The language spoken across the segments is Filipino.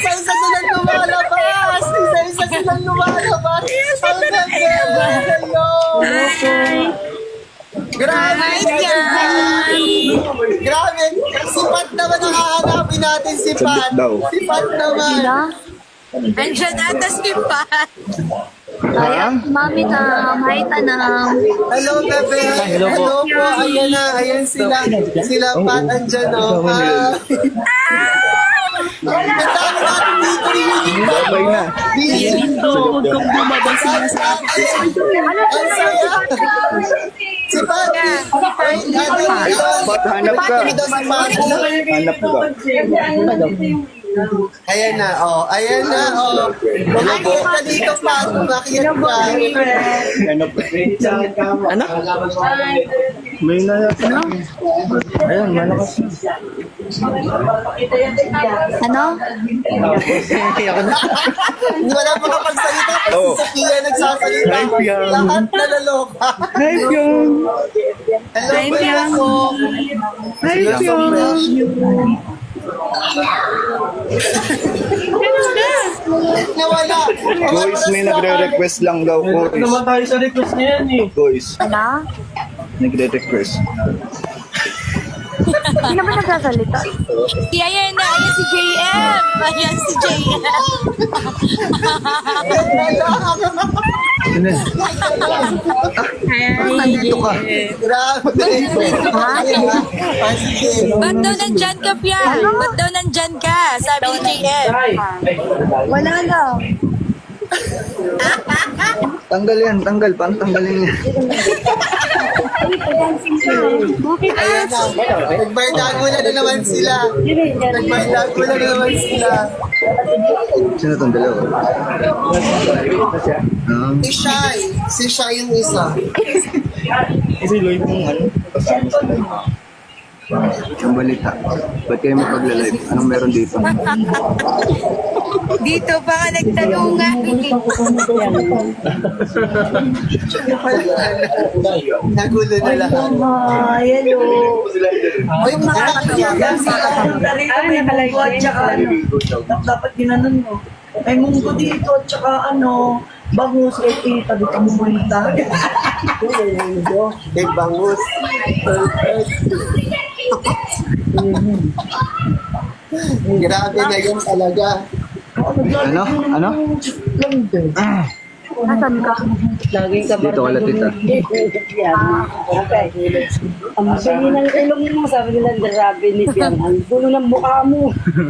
Isa-isa silang lumalabas! Isa-isa silang lumalabas! Ang ganda! Grabe! Grabe! Si Pat naman ang hahanapin natin, si Pat. Si Pat naman. Andiyan ata si Pat. Ay, mami na, hi tanang. Hello, bebe. Hello po. Ayan na. Ayan sila. Sila Pat, andyan o. Ang dami natin dito reunion. Babay na. Huwag kang bumabang sinasabi. Ang saya. Si Pat. Pat, hanap ka. Hanap ka. Ayan na, oh. Ayan na, oh. Umakyat ka dito, Pat. Umakyat ka. Anak? May na. Ayan, malakas. Ano? Hindi mo na makapagsalita kasi Oh. si Sophia nagsasalita. Hi, Piang. Lahat nalaloka. Hi, Pyong. Hello, Piang. Hi, Pyong. Nawala. Guys, may nagre-request lang daw po. Naman tayo sa request niya yan eh. Guys, Ano? nagre-request. Hindi naman nagsasalita. Ayan na, ayan si JM. Ayan si JM. Nandito ka. Grabe. Sige. Ba't daw nandyan ka, Pia? Ba't daw nandyan ka? Sabi ni JM. Wala lang. Tanggal yan, tanggal. Paano tanggalin yan? Ayan na. Nagbardago na naman sila. Nagbardago na naman sila. Sino itong dalawa? Si Shai. Si Shai yung isa. Kasi Lloyd mong ano? Ang balita. Ba't kayo magpagla-live? Anong meron dito? Dito pa ka nagtanungan. Nagulo na lahat. Ay, hello. Uy, nakakaiyakan sila. Dapat ginanon mo. May munggo dito, at saka bangus, tita, dito mo punta. Kay Bangus. Grabe na yun talaga. Ano? Ano? Nasaan ka? Dito wala tita. Ang sabi ng ilong mo, sabi nila, grabe ni Piang. Ang gulo ng mukha mo.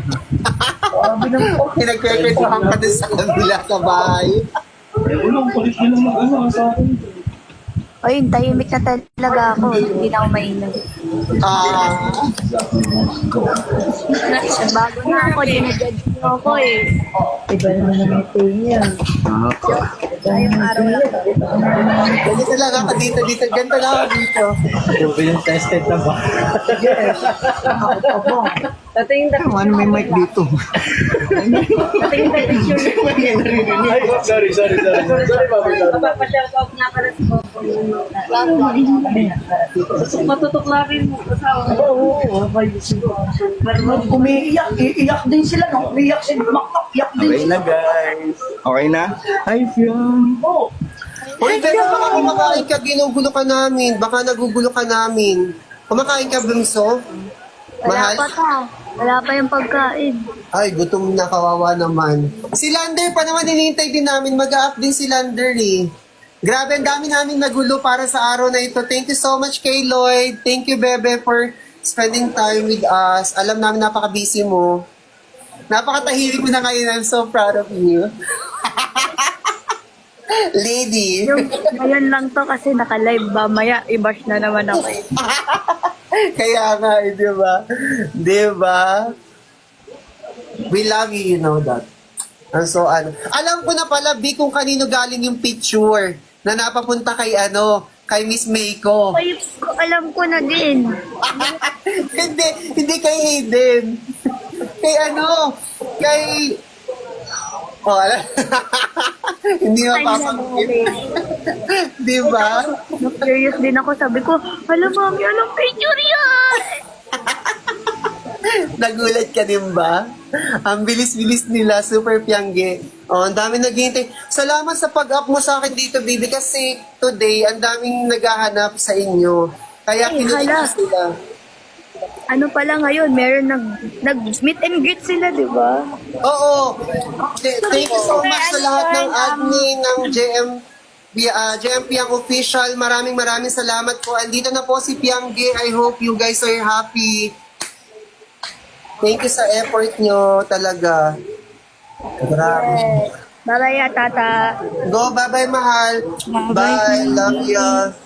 Pinagpepetohan ka din sa kabila sa bahay. Ulong, kulit nyo lang sa akin. Ay, tahimik na talaga ako. Hindi na ako mainom. Bago na ako, dinajudge niyo ako eh. Iba naman ang ito niya. Ngayong araw lang. Ganito lang ako dito. Ganito lang ako dito. Ito yung tested na ba? Tatingin na. Ano may mic dito? Tatingin na picture niya. Ay, sorry, Bobby. Papapashare ko nga pala si Coco. Matutuklarin mo. Oo. Iiyak din sila. Umiiyak sila. Iyak din Okay na guys. Okay na? Hi, Fion. Uy, pero baka kumakain ka, ginugulo ka namin. Baka nagugulo ka namin. Kumakain ka, Bunso? Wala Mahal? pa ta. Wala pa yung pagkain. Ay, gutom na, kawawa naman. Si Lander pa naman, hinihintay din namin. Mag-up din si Lander eh. Grabe, ang dami namin nagulo para sa araw na ito. Thank you so much kay Lloyd. Thank you, Bebe, for spending time with us. Alam namin napaka-busy mo. Napakatahimik mo na ngayon. I'm so proud of you. Lady. Yung ngayon lang to kasi naka-live ba. Maya, i-bash na naman ako eh. Kaya nga, eh, di ba? Di ba? We love you, you know that. And so, alam ko na pala, B, kung kanino galing yung picture na napapunta kay, kay Miss Meiko. Ay, alam ko na din. hindi kay Hayden. Kay kay... Oh, alam. Hindi mapapagpit. Di ba? Curious din ako. Sabi ko, hala mami, anong picture yan? Nagulat ka din ba? Ang bilis-bilis nila, super piangge. Oh, ang dami naghihintay. Salamat sa pag-up mo sa akin dito, baby, kasi today, ang daming naghahanap sa inyo. Kaya Ay, kinulit hala. ko sila. Ano pala ngayon, meron nag-meet and greet sila, di ba? Oo. Thank you so much sa lahat ng admin ng JM Piang Official. Maraming salamat po. Andito na po si Piangge. I hope you guys are happy. Thank you sa effort nyo talaga. Grabe. Bye-bye, tata. Go, bye-bye, mahal. Bye. Love you.